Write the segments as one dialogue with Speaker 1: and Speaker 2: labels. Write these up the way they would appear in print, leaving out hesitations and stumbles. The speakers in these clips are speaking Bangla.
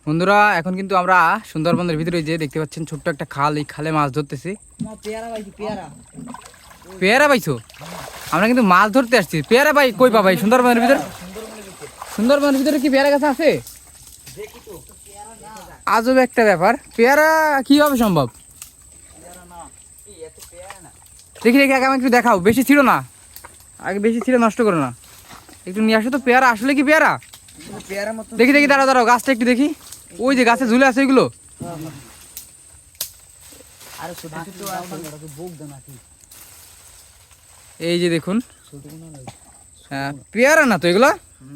Speaker 1: বন্ধুরা এখন কিন্তু আমরা সুন্দরবনের ভিতরে যে দেখতে পাচ্ছেন ছোট্ট একটা খাল, এই খালে মাছ ধরতেছি। পেয়ারা পাইছো? আমরা কিন্তু মাছ ধরতে আসছি। পেয়ারা পাই কই পাবাই সুন্দরবনের ভিতরে? সুন্দরবনের ভিতরে কি পেয়ারা গাছ আছে? আজব একটা ব্যাপার, পেয়ারা কিভাবে সম্ভব? দেখি দেখি আগে আমাকে একটু দেখাও, বেশি ছিল না, আগে বেশি ছিল নষ্ট করো না, একটু নিয়ে আসো তো। পেয়ারা আসলে কি পেয়ারা? দেখি দেখি, দাঁড়াও দাঁড়াও, গাছটা একটু দেখি। ওই যে গাছে ঝুলে আছে ওইগুলো। এই যে দেখুন, পেয়ারা না তো এগুলো?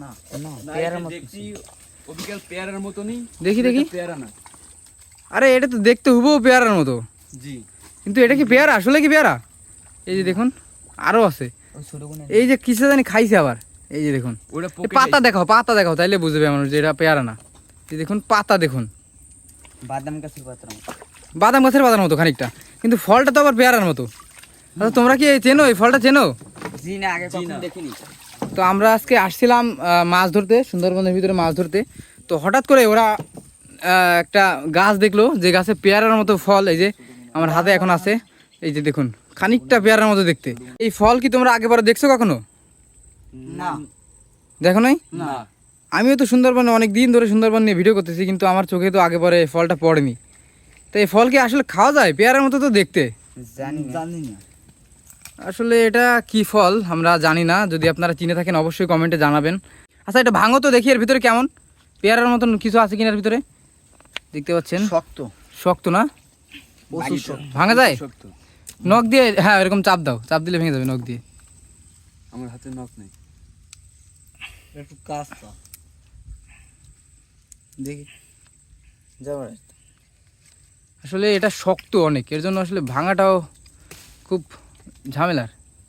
Speaker 1: দেখি দেখি, আরে এটা তো দেখতে হুবহু পেয়ারার মতো, কিন্তু এটা কি পেয়ারা? আসলে কি পেয়ারা? এই যে দেখুন আরো আছে, এই যে কিসে জানি খাইছে আবার। এই যে দেখুন, পাতা দেখাও, পাতা দেখাও, তাইলে বুঝবে মানুষ যে এটা পেয়ারা না। এই দেখুন পাতা, দেখুন বাদাম গাছের পাতার মতো খানিকটা, কিন্তু ফলটা তো আবার পেয়ারার মতো। আচ্ছা তোমরা কি চেনো এই ফলটা, চেনো? তো আমরা আজকে আসছিলাম মাছ ধরতে, সুন্দরবনের ভিতরে মাছ ধরতে। তো হঠাৎ করে ওরা একটা গাছ দেখলো, যে গাছে পেয়ারার মতো ফল, এই যে আমার হাতে এখন আছে। এই যে দেখুন খানিকটা পেয়ারার মতো দেখতে। এই ফল কি তোমরা আগে পরে দেখছো কখনো?
Speaker 2: না,
Speaker 1: দেখো নাই?
Speaker 2: না।
Speaker 1: আমিও তো সুন্দরবনে অনেক দিন ধরে সুন্দরবন নিয়ে ভিডিও করতেছি, কিন্তু আমার চোখে তো আগে পরে ফলটা পড়েনি। তো এই ফল কি আসলে খাওয়া যায়? পেয়ারার মতো তো দেখতে।
Speaker 2: জানি না
Speaker 1: আসলে এটা কি ফল আমরা জানি না, যদি আপনারা চিনে থাকেন অবশ্যই কমেন্টে জানাবেন। আচ্ছা এটা ভাঙো তো দেখি, এর ভিতরে কেমন পেয়ারার মতন কিছু আছে কিনার ভিতরে। দেখতে পাচ্ছেন
Speaker 2: শক্ত
Speaker 1: শক্ত না? ভাঙা যায়? নখ দিয়ে, হ্যাঁ এরকম চাপ দাও, চাপ দিলে ভেঙে যাবে নখ দিয়ে।
Speaker 2: আমার হাতে নখ নেই, একটু কাজ তো দেখি।
Speaker 1: আসলে এটা শক্ত অনেক, এর জন্য আসলে ভাঙাটাও খুব ঝামেলার।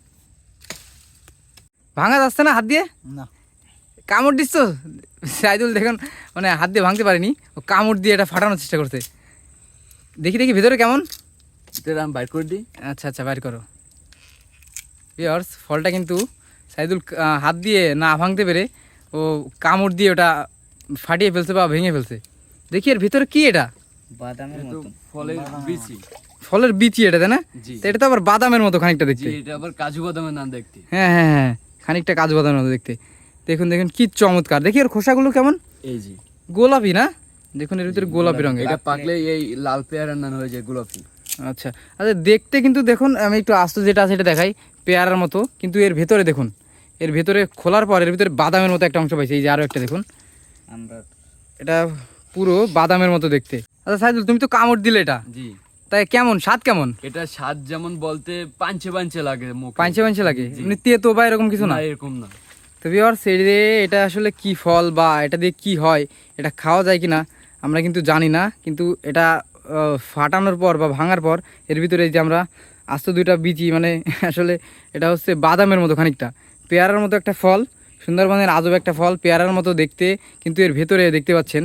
Speaker 1: ভাঙা যাচ্ছে না হাত দিয়ে?
Speaker 2: না,
Speaker 1: কামড় দিচ্ছ সাইদুল, দেখুন মানে হাত দিয়ে ভাঙতে পারিনি, ও কামড় দিয়ে এটা ফাটানোর চেষ্টা করছে। দেখি দেখি ভেতরে কেমন।
Speaker 2: আমি বাইর করে দিই।
Speaker 1: আচ্ছা আচ্ছা, বাইর করো। ভিউয়ার্স, ফলটা কিন্তু সাইদুল হাত দিয়ে না ভাঙতে পেরে ও কামড় দিয়ে ওটা ফাটিয়ে ফেলছে বা ভেঙে ফেলছে। দেখি এর ভিতরে কি এটা?
Speaker 2: বাদামের মতো ফলের বিচি।
Speaker 1: ফলের বিচি এটা, তাই না? তো এটা তো আবার বাদামের মতো খানিকটা দেখতে।
Speaker 2: এটা আবার কাজু বাদামের নাম দেখতে।
Speaker 1: হ্যাঁ হ্যাঁ হ্যাঁ, খানিকটা কাজু বাদামের মতো দেখতে। দেখুন দেখুন কি চমৎকার। দেখি এর খোসাগুলো কেমন,
Speaker 2: এই যে
Speaker 1: গোলাপি না? দেখুন এর ভিতরে গোলাপি রঙের।
Speaker 2: এটা পাকলে এই লাল পেয়ারার নাম হয়ে যায় গোলাপি।
Speaker 1: আচ্ছা আচ্ছা, দেখতে কিন্তু দেখুন, আমি একটু আস্ত যেটা আছে এটা দেখাই, পেয়ারার মতো, কিন্তু এর ভেতরে দেখুন, এর ভেতরে খোলার পর এর ভিতরে বাদামের মতো একটা অংশ পাইছি। এই যে আরো একটা দেখুন,
Speaker 2: আমরা
Speaker 1: এটা পুরো বাদামের মতো দেখতে। আচ্ছা সাইদুল, তুমি তো কামড় দিলে এটা,
Speaker 2: জি,
Speaker 1: তাই কেমন স্বাদ কেমন?
Speaker 2: এটা স্বাদ যেমন বলতে পাঞ্চে পাঞ্চে লাগে, মুখে
Speaker 1: পাঞ্চে পাঞ্চে লাগে, এমনি তেতো বা এরকম কিছু না?
Speaker 2: এরকম না।
Speaker 1: তো ভিউয়ার্স, এটা আসলে কি ফল বা এটা দিয়ে কি হয়, এটা খাওয়া যায় কিনা আমরা কিন্তু জানি না। কিন্তু এটা ফাটানোর পর বা ভাঙার পর এর ভিতরে এই যে আমরা আস্ত দুইটা বিচি, মানে আসলে এটা হচ্ছে বাদামের মতো খানিকটা, পেয়ারার মতো একটা ফল, সুন্দরবনের আজব একটা ফল, পেয়ারার মতো দেখতে, কিন্তু এর ভেতরে দেখতে পাচ্ছেন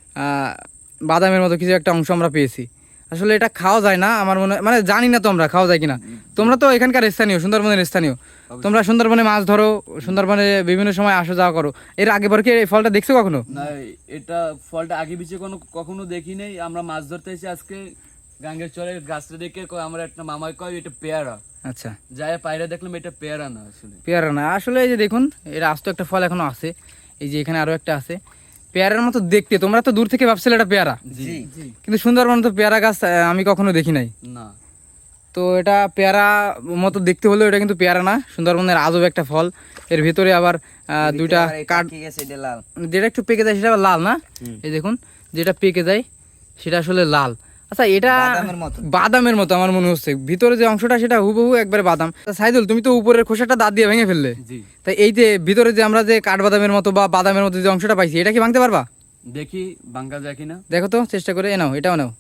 Speaker 1: বাদামের মতো কিছু একটা অংশ আমরা পেয়েছি। আসলে এটা খাওয়া যায় না আমার মনে হয়, মানে জানি না তো আমরা খাওয়া যায় কিনা। তোমরা তো এখানকার স্থানীয়, সুন্দরবনের স্থানীয়, তোমরা সুন্দরবনে মাছ ধরো, সুন্দরবনে বিভিন্ন সময় আসা যাওয়া করো, এর আগে পর কি এই ফলটা দেখছো কখনো?
Speaker 2: না, এটা ফলটা আগে পিছে কখনো দেখি নাই। আমরা মাছ ধরতে এসে আজকে গাঙ্গের চরে গাছটা দেখে আমার একটা মামাই কয় এটা পেয়ারা।
Speaker 1: আচ্ছা,
Speaker 2: যাই পায়রা দেখলাম এটা পেয়ারা না, আসলে
Speaker 1: পেয়ারা না। আসলে এই যে দেখুন, এর আস্ত একটা ফল এখনো আছে, এই যে এখানে আরো একটা আছে, পেয়ারার মতো দেখতে। তোমরা তো দূর থেকে ভাবছিলে এটা পেয়ারা,
Speaker 2: জি,
Speaker 1: কিন্তু সুন্দরবনে তো পেয়ারা গাছ আমি কখনো দেখি নাই।
Speaker 2: না,
Speaker 1: তো এটা পেয়ারা মতো দেখতে হলেও এটা কিন্তু পেয়ারা না, সুন্দরবনের আজব একটা ফল। এর ভিতরে আবার দুইটা কাঠ, যেটা একটু পেকে যায় সেটা আবার লাল না? এই দেখুন, যেটা পেকে যায় সেটা আসলে লাল। আচ্ছা এটা বাদামের মতো আমার মনে হচ্ছে, ভিতরে যে অংশটা সেটা হুবহু একবারে বাদাম। সাইদুল, তুমি তো উপরের খোসাটা দাঁত দিয়ে ভেঙে ফেললে, তাই এই যে ভিতরে যে আমরা যে কাঠবাদামের মতো বা বাদামের মতো যে অংশটা পাইছি, এটা কি ভাঙতে পারবা?
Speaker 2: দেখি ভাঙা যায় কিনা,
Speaker 1: দেখো তো চেষ্টা করে। নাও, এটাও নাও।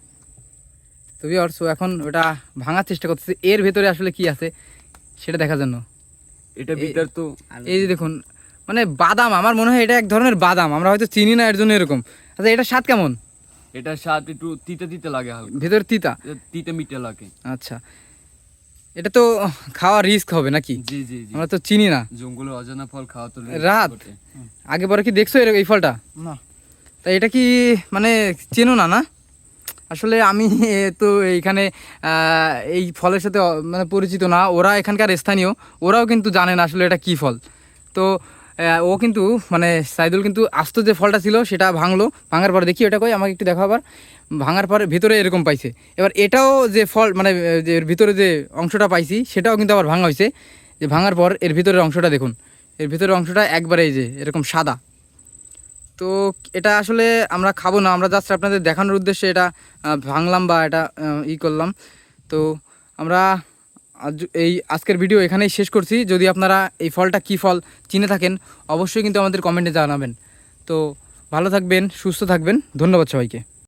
Speaker 1: তো ভিউয়ার্স, এখন ওটা ভাঙার চেষ্টা করতেছে, এর ভেতরে আসলে কি আছে সেটা দেখার জন্য।
Speaker 2: এটা ভিতর তো
Speaker 1: এই যে দেখুন, মানে বাদাম, আমার মনে হয় এটা এক ধরনের বাদাম, আমরা হয়তো চিনি না এর জন্য এরকম। আচ্ছা এটা স্বাদ কেমন?
Speaker 2: এটা স্বাদ একটু তিতে তিতে লাগে, হালকা
Speaker 1: ভেতর তিতা,
Speaker 2: তিতে মিটে লাগে।
Speaker 1: আচ্ছা, এটা তো খাওয়া রিস্ক হবে নাকি?
Speaker 2: জি জি জি,
Speaker 1: আমরা তো চিনি না।
Speaker 2: জঙ্গলে অজানা ফল খাওয়া তো
Speaker 1: রাত আগে পরে কি দেখছো এই ফলটা?
Speaker 2: না,
Speaker 1: তা এটা কি মানে চেনো না না? আসলে আমি তো এইখানে এই ফলের সাথে মানে পরিচিত না, ওরা এখানকার স্থানীয়, ওরাও কিন্তু জানে না আসলে এটা কী ফল। তো ও কিন্তু মানে সাইদুল কিন্তু আস্ত যে ফলটা ছিল সেটা ভাঙলো, ভাঙার পরে দেখি ওটা কই আমাকে একটু দেখাও আবার। ভাঙার পরে ভিতরে এরকম পাইছে। এবার এটাও যে ফল মানে যে এর ভিতরে যে অংশটা পাইছি সেটাও কিন্তু আবার ভাঙা হয়েছে। যে ভাঙার পর এর ভিতরের অংশটা দেখুন, এর ভিতরের অংশটা একবারে এই যে এরকম সাদা। তো এটা আসলে আমরা খাবো না, আমরা জাস্ট আপনাদের দেখানোর উদ্দেশ্যে এটা ভাঙলাম বা এটা করলাম। তো আমরা এই আজকের ভিডিও এখানেই শেষ করছি। যদি আপনারা এই ফলটা কী ফল চিনে থাকেন অবশ্যই কিন্তু আমাদের কমেন্টে জানাবেন। তো ভালো থাকবেন, সুস্থ থাকবেন, ধন্যবাদ সবাইকে।